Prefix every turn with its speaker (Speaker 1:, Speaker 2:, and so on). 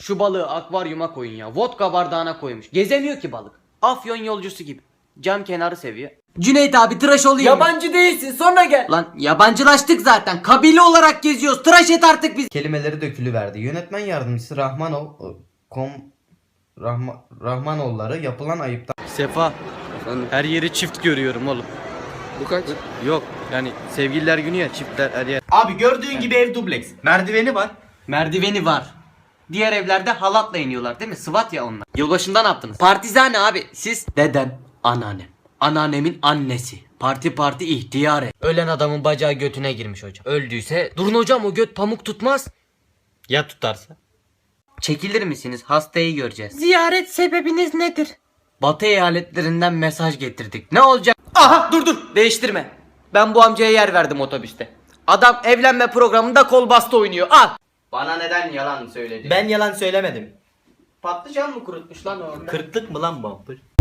Speaker 1: Şu balığı akvaryuma koyun ya. Vodka bardağına koymuş. Gezemiyor ki balık. Afyon yolcusu gibi. Cam kenarı seviyor. Cüneyt abi tıraş olayım.
Speaker 2: Yabancı değilsin, sonra gel.
Speaker 1: Lan yabancılaştık zaten. Kabile olarak geziyoruz. Tıraş et artık biz.
Speaker 3: Kelimeleri dökülüverdi. Yönetmen yardımcısı Rahmanoğulları yapılan ayıptan
Speaker 1: Sefa. Her yeri çift görüyorum oğlum.
Speaker 2: Bu kaç?
Speaker 1: Yok yani sevgililer günü ya, çiftler her yer.
Speaker 3: Abi gördüğün gibi ev dubleks. Merdiveni var.
Speaker 1: Merdiveni var. Diğer evlerde halatla iniyorlar değil mi? Sıvat ya onlar. Yılbaşında ne yaptınız? Partizane abi. Siz? Dedem, anneannem. Anneannemin annesi. Parti ihtiyare. Ölen adamın bacağı götüne girmiş hocam. Öldüyse durun hocam, o göt pamuk tutmaz. Ya tutarsa? Çekilir misiniz? Hastayı göreceğiz. Ziyaret sebebiniz nedir? Batı eyaletlerinden mesaj getirdik. Ne olacak? Aha dur değiştirme. Ben bu amcaya yer verdim otobüste. Adam evlenme programında kol bastı oynuyor. Al. Bana neden yalan söyledin?
Speaker 2: Ben yalan söylemedim.
Speaker 1: Patlıcan mı kurutmuş lan orada?
Speaker 2: Kırklık mı lan bumper?